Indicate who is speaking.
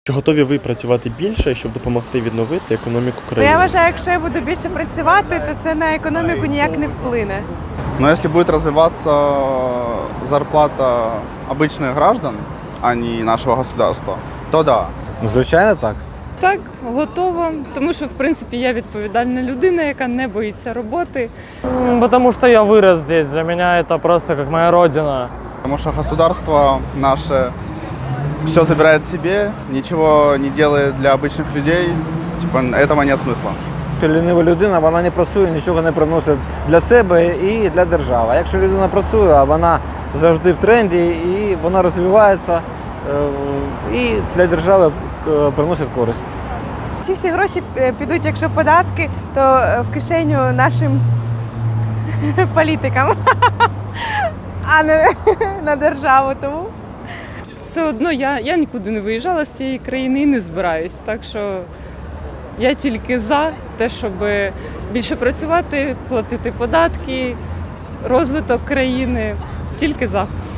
Speaker 1: Чи готові ви працювати більше, щоб допомогти відновити економіку країни?
Speaker 2: Я вважаю, якщо я буду більше працювати, то це на економіку ніяк не вплине.
Speaker 3: Но если будет развиваться зарплата обычных граждан, а не нашего государства, то да.
Speaker 4: Ну, звичайно, так.
Speaker 5: Так, готова, тому що, в принципі, я відповідальна людина, яка не боїться роботи.
Speaker 6: Потому что я вырос здесь, для меня это просто как моя родина.
Speaker 3: Потому что государство наше все забирает себе, ничего не делает для обычных людей. Типа, этого нет смысла.
Speaker 4: Лінива людина, вона не працює, нічого не приносить для себе і для держави. А якщо людина працює, а вона завжди в тренді, і вона розвивається, і для держави приносить користь.
Speaker 2: Ці всі гроші підуть, якщо податки, то в кишеню нашим політикам, а не на державу. Тому
Speaker 5: Все одно я нікуди не виїжджала з цієї країни і не збираюсь. Так що я тільки за те, щоб більше працювати, платити податки, розвиток країни. Тільки за.